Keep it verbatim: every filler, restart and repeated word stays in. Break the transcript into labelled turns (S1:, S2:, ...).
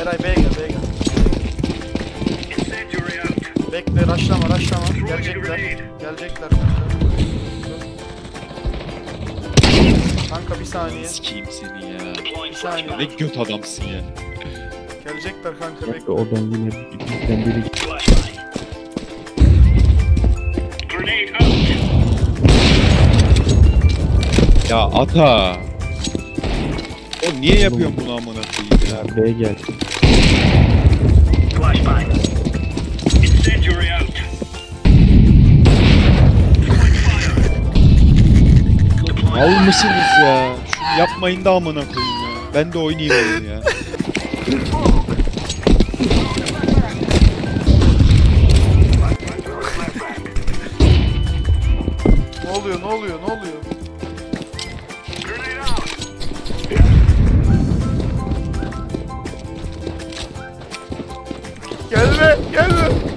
S1: Eray B'ye gel, B'ye gel. Bekle, rushlama, rushlama. Gelecekler. Gelecekler kanka. Kanka bir saniye.
S2: Sikeyim seni ya.
S1: Bir saniye.
S2: Ne göt adamsın ya.
S1: Gelecekler kanka,
S3: Bekle,
S1: bekle.
S3: oradan yine bizden biri.
S2: Ya ata. O niye yapıyorsun bunu amına koyayım ya?
S3: Ya B'ye gel.
S2: Mal mısınız ya? Şunu yapmayın da amına koyayım ya. Ben de oynayayım oyunu ya.
S1: Ne oluyor, ne oluyor, ne oluyor? Gelme, gelme.